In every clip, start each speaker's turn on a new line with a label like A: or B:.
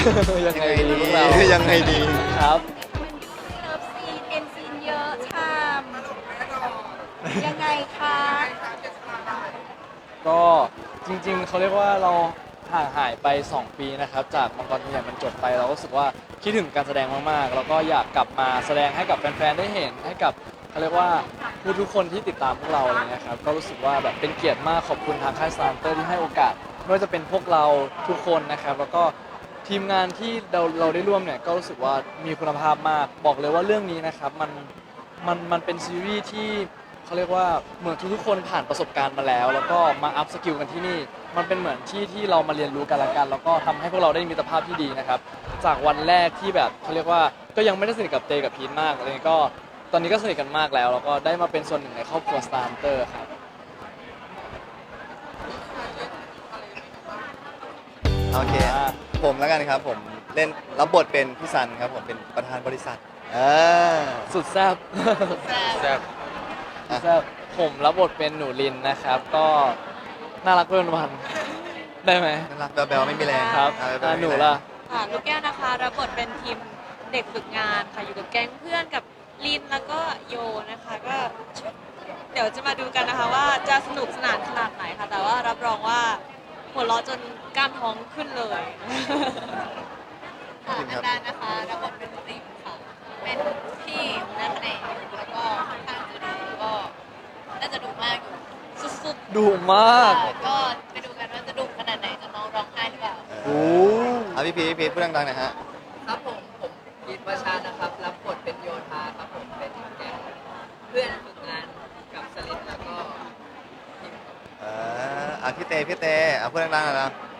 A: ยังไงดี
B: พวกเรา
A: ยังไงดี
B: ครับ
C: เลิฟซีนเอ็นซีนเยอะชามยังไงคะ
B: ก็จริงๆเขาเรียกว่าเราห่างหายไป2 ปีนะครับจากมังกรตัวใหญ่มันจบไปเราก็รู้สึกว่าคิดถึงการแสดงมากๆแล้วก็อยากกลับมาแสดงให้กับแฟนๆได้เห็นให้กับเขาเรียกว่าผู้ทุกคนที่ติดตามพวกเราอะไรเงี้ยครับก็รู้สึกว่าแบบเป็นเกียรติมากขอบคุณทางค่ายสตาร์เตอร์ที่ให้โอกาสไม่ว่าจะเป็นพวกเราทุกคนนะครับแล้วก็ทีมงานที่เราได้ร่วมเนี่ยก็รู้สึกว่ามีคุณภาพมากบอกเลยว่าเรื่องนี้นะครับมันเป็นซีรีส์ที่เขาเรียกว่าเหมือนทุกๆคนผ่านประสบการณ์มาแล้วแล้วก็มาอัพสกิลกันที่นี่มันเป็นเหมือนที่เรามาเรียนรู้กันละกันแล้วก็ทำให้พวกเราได้มิตรภาพที่ดีนะครับจากวันแรกที่แบบเขาเรียกว่าก็ยังไม่ได้สนิทกับเตกับพีทมากเลยก็ตอนนี้ก็สนิทกันมากแล้วก็ได้มาเป็นส่วนหนึ่งในครอบครัวสตาร์เตอร์ครับ
A: โอเค ผมแล้วกันครับผมเล่นรับบทเป็นพี่ซันครับผมเป็นประธานบริษัท
B: สุดแซ่บ
D: แซ่บ
B: แซ่บผมรับบทเป็นหนูลินนะครับ ก็น่ารักเป็นวันได้ไหม
A: น่ารักแบลๆไม่มีแรง
B: ครับ
A: แบ๊วๆไม่มีแรง
B: หนูล่ะ
C: ค่ะลูกแก้วนะคะรับบทเป็นทีมเด็กฝึกงานค่ะอยู่กับแก๊งเพื่อนกับลินแล้วก็โยนะคะก็เดี๋ยวจะมาดูกันนะคะว่าจะสนุกสนานขนาดไหนค่ะแต่ว่ารับรองว่าหัวเราะจนกล้ามท้องขึ้นเลย
A: จริงครับ
C: อันดานะคะรับบทเป็นริมค่ะเป็นพี่นักแสดงแล้วก็ค่อนข้างจะดุก็น่าจะดุมากอยู่สุด
B: ดุมาก
C: ๆก็ไปดูกันว่าจะดุขนาดไหนจะน้องร้องไห้หรือเปล่า
B: โอ้
A: พี่พีทพูดดังๆหน่อยฮะ
D: ครับผมพีทวชานะครับรับบทเป็นโยธาครับผมเป็นแก๊งเพื่อนฝึกงานกับสลิดแล้วก็พิมพ์ครับ
A: พี่เตพูดดังๆหน่อยนะ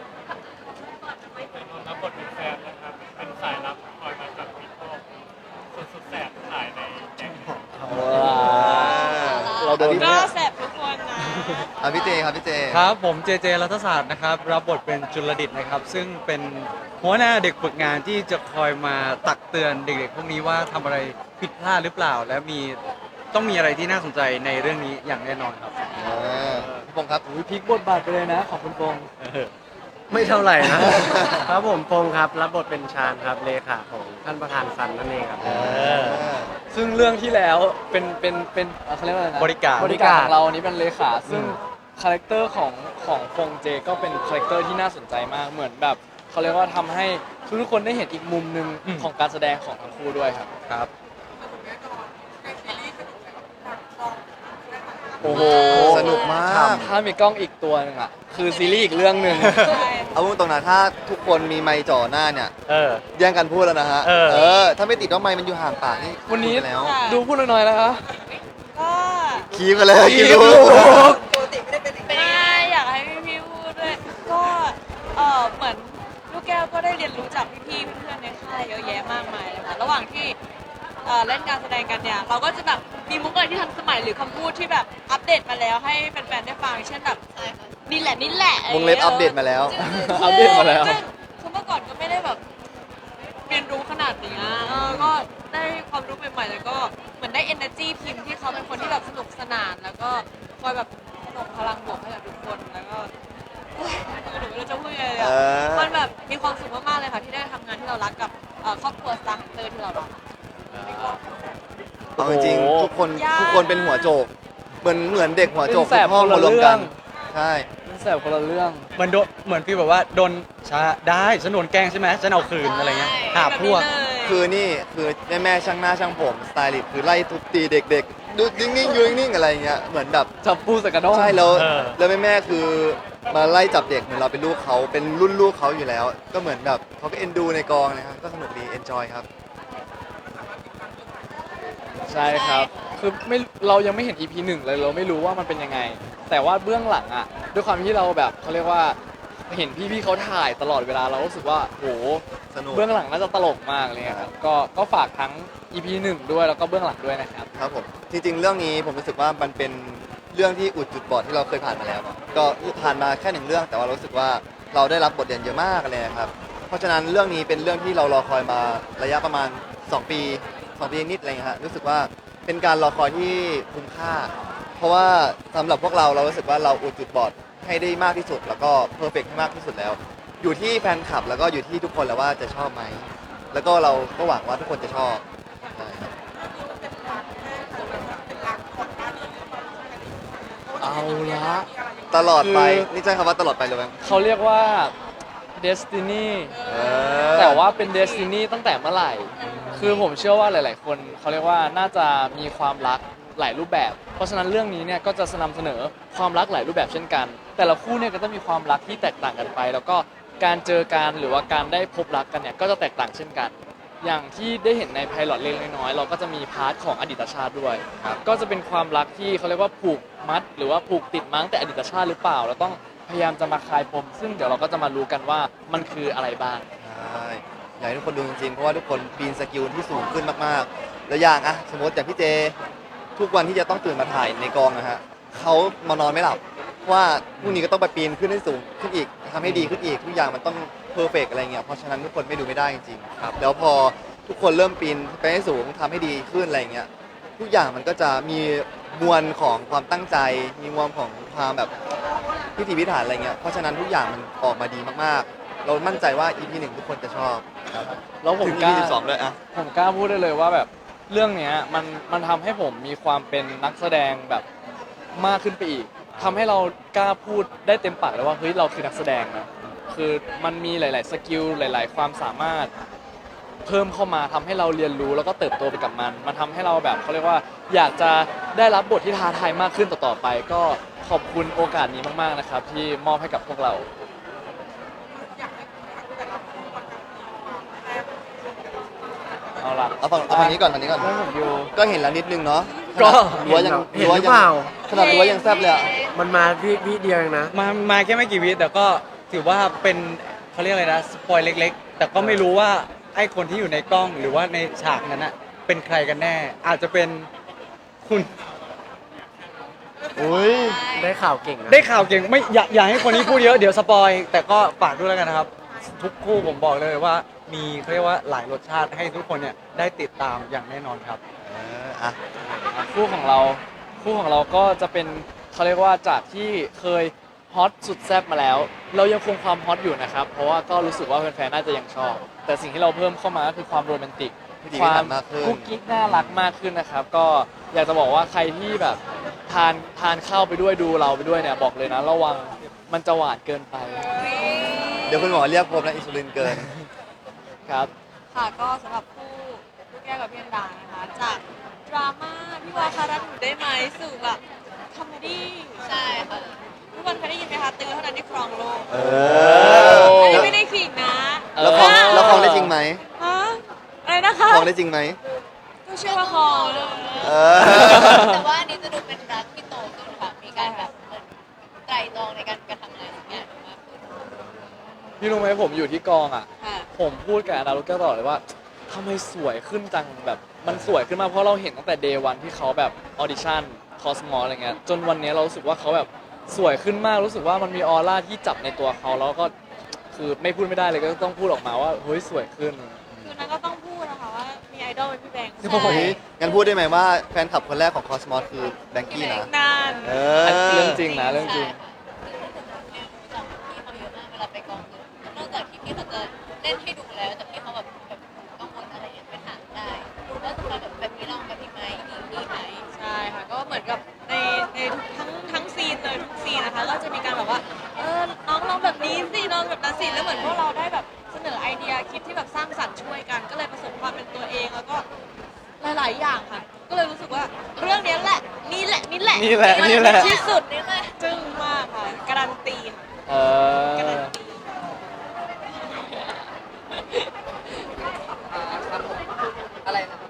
E: รับบทเป็นแฟนนะครับ เป็นสายลับคอยมาจับผิดพวกสุดแสบถ่ายในแก๊ง
B: เราโดน
C: ก็แสบทุกคนนะ
A: พี่เจครับพี่เจ
F: ครับผมเจเจรัฐศาสตร์นะครับรับบทเป็นจุลดิตนะครับ ซึ่งเป็นหัวหน้าเด็กฝึกงานที่จะคอยมาตักเตือนเด็กๆพวกนี้ว่าทำอะไรผิดพลาดหรือเปล่า และต้องมีอะไรที่น่าสนใจในเรื่องนี้อย่างแน่นอนครับ
A: พี่พงษ์ครับ
B: พลิกบทบาทไปเลยนะขอบคุณปง
G: ไม่เท่าไหร่นะ ครับผมพงษ์ครับรับบทเป็นชาญครับเลขาของท่านประธานซันนั่นเองครับ
B: ซึ่งเรื่องที่แล้วเป็นเขาเรียกว่าอะไรนะ
F: บริการ
B: บริการของเราอันนี้เป็นเลขาซึ่งคาแรคเตอร์ของฟงเจก็เป็นคาแรคเตอร์ที่น่าสนใจมากเหมือนแบบเขาเรียกว่าทำให้ทุกๆคนได้เห็นอีกมุมหนึ่งของการแสดงของทั้งคู่ด้วยครับ
F: ครับ
B: โอ้โห
A: สนุกมาก
B: ถ้ามีกล้องอีกตัวหนึงอ่ะคือซีรีส์อีกเรื่องหนึ่ง
A: เอาพูดตรงนะถ้าทุกคนมีไมค์จ่อหน้าเนี่ย
F: เออ
A: แย่งกันพูดแล้วนะฮะ
F: เออ
A: ถ้าไม่ติดว่าไมค์มันอยู่ห่างปากนี่
B: วันนี้
A: พูดไปแล้ว
B: ดูพูดหน่อยๆนะคะ
C: ก็
A: คีบกันเลย
B: คีบ
A: รู้
C: ไม่อยากให้พี่ๆพูดด้วยก็เหมือนลูกแก้วก็ได้เรียนรู้จากพี่ๆเพื่อนๆในค่ายเยอะแยะมากมายเลยค่ะระหว่างที่เล่นการแสดงกันเนี่ยเราก็จะแบบมีมุกอะไรที่ทันสมัยหรือคำพูดที่แบบอัปเดตมาแล้วให้แฟนๆได้ฟังเช่นแบบนี่แหละนี่แหละ
A: วงเล็บอัปเดตมาแล้ว
B: อัปเดตมาแล้ว
C: ซึ่งคือเมื่อก่อนก็ไม่ได้แบบเรียนรู้ขนาดนี้ก็ได้ความรู้ใหม่ๆแล้วก็เหมือนได้ energy ทีมที่เขาเป็นคนที่แบบสนุกสนาน แล้วก็คอยแบบส่งพลังบวกให้กับทุกคนแล้วก็เฮ้ยหนูไม่รู้จะพูดยังไงเลยอะมันแบบมีความสุขมากๆเลยค่ะที่ได้ทำงานที่เรารักกับครอบครัวสตาร์ฮันเตอร์ที่เรารัก
A: เอาจริง
B: โอ้โห
A: ๆทุกคนเป็นหัวโจก เหมือนเด็กหัวโจก
B: เป็นแสบ
A: ทุกห้อง
B: คนละ
A: มารวมกัน
B: เรื่อง
A: ใช่
B: มันแสบคนละเรื่อง
F: เหมือนพี่แบบว่าโดนช้าได้ฉันโดนแกล้งใช่ไหมฉันเอาคืนอะไรเงี้ยหาพวก
A: คือนี่คือแม่ช่างหน้าช่างผมสไตลิสต์คือไล่ทุบตีเด็กๆดูนิ่งๆอยู่นิ่งๆอะไรอย่างเงี้ยเหมือนแบบ
B: จับปูใส่กระด้ง
A: ใช่แล้ว
F: เออ
A: แล้วแม่คือมาไล่จับเด็กเหมือนเราเป็นลูกเขาเป็นรุ่นลูกเขาอยู่แล้ว ก็เหมือนแบบเขาก็เอ็นดูในกองนะครับก็สนุกดีเอนจอยครับ
B: ใช่ครับ คือไม่เรายังไม่เห็น EP 1เลยเราไม่รู้ว่ามันเป็นยังไง แต่ว่าเบื้องหลังอ่ะด้วยความที่เราแบบเขาเรียกว่าเห็นพี่ๆเขาถ่ายตลอดเวลาเรารู้สึกว่าโห
A: สนุก
B: เบื้องหลังน่าจะตลกมากเลยครับก็ฝากทั้ง EP 1ด้วยแล้วก็เบื้องหลังด้วยนะครับ
A: ครับผมจริงๆเรื่องนี้ผมรู้สึกว่ามันเป็นเรื่องที่อุดจุดบอดที่เราเคยผ่านมาแล้วเนอะก็ผ่านมาแค่หนึ่งเรื่อง แต่ว่ารู้สึกว่าเราได้รับบทเรียนเยอะมากเลยนะครับเพราะฉะนั้นเรื่องนี้เป็นเรื่องที่เรารอคอยมาระยะประมาณ2 ปี2 ปีนิดอะไรเงี้ยฮะรู้สึกว่าเป็นการรอคอยที่คุ้มค่า เพราะว่าสำหรับพวกเรารู้สึกว่าเราอุดจุดบอดให้ได้มากที่สุด แล้วก็เพอร์เฟกให้มากที่สุดแล้วอยู่ที่แฟนคลับแล้วก็อยู่ที่ทุกคนแล้วว่าจะชอบไหมแล้วก็เราก็หวังว่าทุกคนจะชอบใช่ครับ
B: เอาละ
A: ตลอดไป
B: คือ
A: นี่ใช้คำว่าตลอดไปเลยไหม
B: เขาเรียกว่า destiny
A: เออ
B: แต่ว่าเป็น destiny ตั้งแต่เมื่อไหร่ คือผมเชื่อว่าหลาย ๆ คนเขาเรียกว่าน่าจะมีความรักหลายรูปแบบ เพราะฉะนั้นเรื่องนี้เนี่ยก็จะนำเสนอความรักหลายรูปแบบเช่นกัน แต่ละคู่เนี่ยก็ต้องมีความรักที่แตกต่างกันไป แล้วก็การเจอกันหรือว่าการได้พบรักกันเนี่ยก็จะแตกต่างเช่นกัน อย่างที่ได้เห็นในไพลอตเล็กๆน้อยๆเราก็จะมีพาร์ทของอดีตชาติด้วย ก็จะเป็นความรักที่เขาเรียกว่าผูกมัด หรือว่าผูกติดมั้งแต่อดีตชาติหรือเปล่าเราต้องพยายามจะมาคลายปมซึ่งเดี๋ยวเราก็จะมารู้กันว่ามันคืออะไรบ้าง
A: ใช่อยากให้ทุกคนดูจริงๆเพราะว่าทุกคนปีนสกิลที่สูงขึ้นมากๆ แล้วอย่างอะสมมติอย่างพี่เจ ทุกวันที่จะต้องตื่นมาถ่ายในกองนะฮะเขามานอนไม่หลับเพราะว่าพรุ่งนี้ก็ต้องไปปีนขึ้นให้สูงขึ้นอีกทำให้ดีขึ้นอีกทุกอย่างมันต้องเพอร์เฟกอะไรเงี้ยเพราะฉะนั้นทุกคนไม่ดูไม่ได้จริงๆครับแล้วพอทุกคนเริ่มปีนไปให้สูงทำให้ดีขึ้นอะไรเงี้ยทุกอย่างมันก็จะมีมวลของความตั้งใจ มีมวลของความแบบพิถีพิถันอะไรเงี้ยเพราะฉะนั้นทุกอย่างมันออกมาดีมากๆ เรามั่นใจว่า EP 1ทุกคนจะชอบครับ
B: แล้วผม
A: ถึง
B: กล้า
A: EP 12ด้วยอะ
B: ผมกล้าพูดได้เลยว่าแบบเรื่องเนี้ยมันทำให้ผมมีความเป็นนักแสดงแบบมากขึ้นไปอีกทำให้เรากล้าพูดได้เต็มปากเลยว่าเฮ้ยเราคือนักแสดงนะคือมันมีหลาย ๆ สกิลหลาย ๆ ความสามารถเพิ่มเข้ามาทำให้เราเรียนรู้แล้วก็เติบโตไปกับมันทำให้เราแบบเขาเรียกว่าอยากจะได้รับบทที่ท้าทายมากขึ้นต่อๆไป ก็ขอบคุณโอกาสนี้มาก ๆ นะครับ ที่มอบให้กับพวกเรา เอาล่ะ
A: เอาฝั่งนี้ก่อนฝั่งนี้ก่อน
B: ให้ผมดู
A: ก็เห็นแล้วนิดนึงเนาะ
B: ก็
A: รั้วยัง
G: เห็นหรือเปล่า
A: ขนาดรั้วยังแซบเลยอะ
G: มันมาวิเดียวเองนะ
F: มาแค่ไม่กี่วิแต่ก็ถือว่าเป็นเขาเรียกอะไรนะสปอยเล็กๆ แต่ก็ไม่รู้ว่าไอ้คนที่อยู่ในกล้องหรือว่าในฉากนั้นน่ะเป็นใครกันแน่ อาจจะเป็นคุณ
A: อุ้ย
G: ได้ข่าวเก่งนะ
F: ได้ข่าวเก่งไม่อย่าให้คนนี้พูดเยอะเดี๋ยวสปอยแต่ก็ฝากด้วยแล้วกันนะครับ ทุกคู่ผมบอกเลยว่ามีเขาเรียกว่าหลายรสชาติให้ทุกคนเนี่ยได้ติดตามอย่างแน่นอนครับ
A: อ่ะ
B: คู่ของเราก็จะเป็นเขาเรียกว่าจากที่เคยฮอตสุดแซ่บมาแล้ว เรายังคงความฮอตอยู่นะครับ เพราะว่าก็รู้สึกว่าแฟนๆน่าจะยังชอบ แต่สิ่งที่เราเพิ่มเข้ามาก็คือความโรแมนติก
A: พิธี
B: ค
A: พิ
B: วา
A: ถั
B: ม
A: นมากขึ้น
B: กุ๊กกิ๊กน่ารักมากขึ้นนะครับ ก็อยากจะบอกว่าใครที่แบบทานข้าวไปด้วยดูเราไปด้วยเนี่ยบอกเลยนะระวังมันจะหวานเกินไป
A: เดี๋ยวคุณหมอเรียกผมนะอินซูลินเกิน
B: ครับ
C: ค่ะก็สำหรับคู่ลูกแก้วกับพี่อันดานะคะ จากดราม่าพี่วาคารันอยู่ได้ไหมสู่แบบคอมเมดี้ใช่ค่ะทุกคนเคยได้ยินไหมคะตื้อเท่านั้นที่ครองโลก
A: เอ
C: อันนี้
A: อ
C: ไม่ได้ขิงนะ
A: แล้วคลองแล้วคลองได้จริงไหม
C: ฮะอะไรนะคะ
A: คลองได้จริงไหม
C: ก็เชื่อว่าคลองเลย
A: เออ
H: แต่ว่าอันนี้จะดูเป็นรักที่โตขึ้นค่ะ มีการแบบเหมือนไตร่ตรองในการกระทำอะไรสักอย่างมากขึ้น
B: พี่รู้ไหมผมอยู่ที่กองอ่ะ
C: ค่ะ
B: ผมพูดกับอานารุแก้วตลอดเลยว่าทำไมสวยขึ้นจังแบบมันสวยขึ้นมากเพราะเราเห็นตั้งแต่เดย์วันที่เขาแบบออดิชั่นคอสมออะไรเงี้ยจนวันนี้เรารู้สึกว่าเขาแบบสวยขึ้นมากรู้สึกว่ามันมีออร่าที่จับในตัวเขาแล้วก็คือไม่พูดไม่ได้เลยก็ต้องพูดออกมาว่าเฮ้ยสวยขึ้น
C: คือนั้นก็ต้องพูดนะคะว่ามีไอดอลเป็นพี่แบงค์
A: โอ้โหงั้นพูดได้ไหมว่าแฟนคลับคนแรกของคอสมอสคือแบงกี้นะ
C: นาน
A: เอ
B: เรื่
A: อ
B: องจริงนะเรื่องจริง
H: ใช่ค่ะคือผมเนี่ยรู้จักพี่เขาเยอะมากเวลาไปกองคือนอกจากที่พี่เขาจะเล่นให้ดูแล้วแต่พี่เขาแบบกังวลอะไรอย่างเงี้ยไปถามได้ว่าสำหรับแบบนี้ลองแบบนี้ไหมดีไหม
C: ใช่ค่ะก็เหมือนกับในทั้งซีนเลยทุกซีนนะคะ ก็จะมีการแบบว่าน้องลองแบบนี้สิน้องแบบนั้นสิแล้วเหมือนพวกเราได้แบบเสนอไอเดียคิดที่แบบสร้างสรรค์ช่วยกัน ก็เลยประสบความเป็นตัวเองแล้วก็หลายๆอย่างค่ะ ก็เลยรู้สึกว่าเรื่องนี้แหละนี่แหละ
B: นี่แหละนี่แหละ
C: ที่สุดนี่แหละจึ้งมากค่ะการันตีค่ะ
B: เอ
C: การั
B: อน
C: ตี
D: ครับผมอะไรนะครับ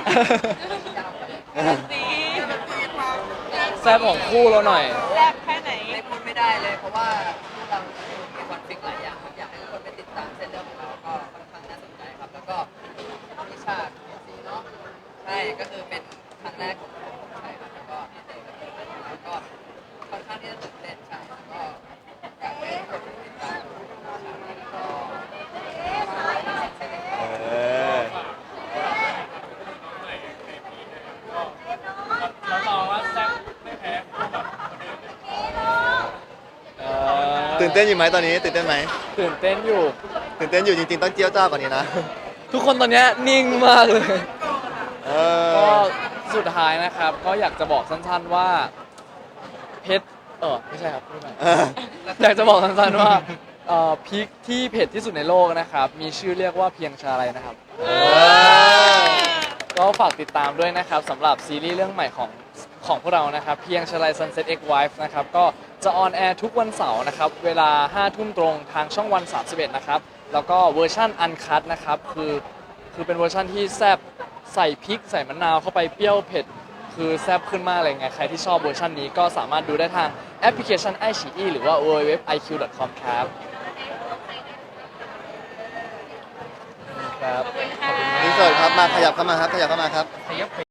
C: การันตี
B: แซ่บของคู่เราหน่อย
C: แซ่บแค่ไหน
D: ไม่พูดไม่ได้เลยเพราะว่าเรามีคอนฟ lict หลายอย่างครับอยากให้ทุกคนไปติดตามเส้นเรื่องของเราก็ค่อนข้างน่าสนใจครับ แล้วก็มีฉากสีเนาะใช่ก็คือเป็นครั้งแรกของผมใช่ครับแล้วก็พี่เต้ก็เป็นแล้วก็ค่อนข้างที่จะตื่นเต้นใช่แล้วก็อยากให้ทุกคนติดตามฉากนี้แล้วก็
A: เออ
E: เราต่อว่าแซ่บไม่แพ้คู่แบบคนอื่นเลย
A: นเต้นอยู่ไหมตอนนี้ตื่นเต้นไหม
B: ตื่นเต้นอยู่
A: ตื่นเต้นอยู่จริงๆต้องเจี้ยวจ้าวกว่านี้นะ
B: ทุกคนตอนเนี้ยนิ่งมากเลย
A: เอ
B: ก็
A: อ
B: สุดท้ายนะครับ ก็อยากจะบอกสั้นๆว่าเพชรไม่ใช่ครับพูดใหม่
A: เออ
B: อยากจะบอกสั้นๆว่าพริกที่เผ็ดที่สุดในโลกนะครับ มีชื่อเรียกว่าเพียงชาไรนะครับ ก็ฝากติดตามด้วยนะครับสำหรับซีรีส์เรื่องใหม่ของพวกเรานะครับ เพียงชลัย Sunset X Wife นะครับ ก็จะออนแอร์ทุกวันเสาร์นะครับ เวลา 5 ทุ่มตรงทางช่องวัน 31 นะครับ แล้วก็เวอร์ชั่นอันคัตนะครับ คือเป็นเวอร์ชั่นที่แซ่บใส่พริกใส่มะนาวเข้าไปเปรี้ยวเผ็ด คือแซ่บขึ้นมากเลยไง ใครที่ชอบเวอร์ชันนี้ก็สามารถดูได้ทางแอปพลิเคชัน iQIYI หรือว่า www.iq.com ครับครับ
C: ขอบคุณค่ะ
A: นี่สดครับมาขยับเข้ามาครับขยับเข้ามาครับ
F: ขยับข